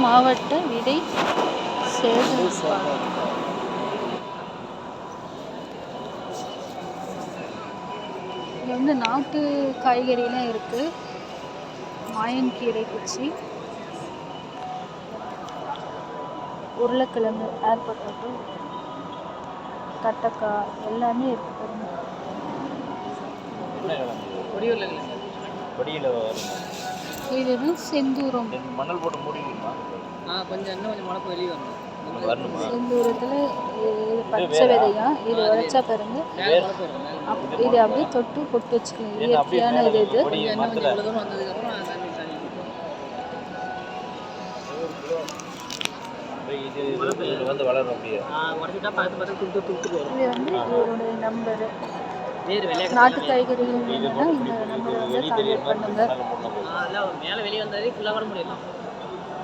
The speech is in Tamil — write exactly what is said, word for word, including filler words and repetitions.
மாவட்ட விதை சேகரிப்பாளர். இங்கே வந்து நாட்டு காய்கறிலாம் இருக்குது. மாயன்கீரை குச்சி, உருளைக்கிழங்கு, ஏர் பொட்டேட்டோ, தட்டக்காய் எல்லாமே இருக்குது பாருங்க. இதுதான் செந்தூரம். மணல் போட்டு மூடிடுமா? கொஞ்சம் இன்னும் கொஞ்சம் மழை வெளியே வரணும். செந்தூரத்தில் இது பச்சை விதையா, இது உரைச்சா பாருங்க. இது அப்படியே தொட்டு பொட்டு வச்சுக்கோங்க. இயற்கையான இது இது இது வந்து வளரும். அப்படியே இது வந்து இவருடைய நம்பரு. நாட்டு காய்கறிகள் வேணும்னா இந்த நம்பரை வந்து கான்டாக்ட் பண்ணுங்க. மேலே வெளியே வந்தாலே ஃபுல்லாக வர முடியலாம்.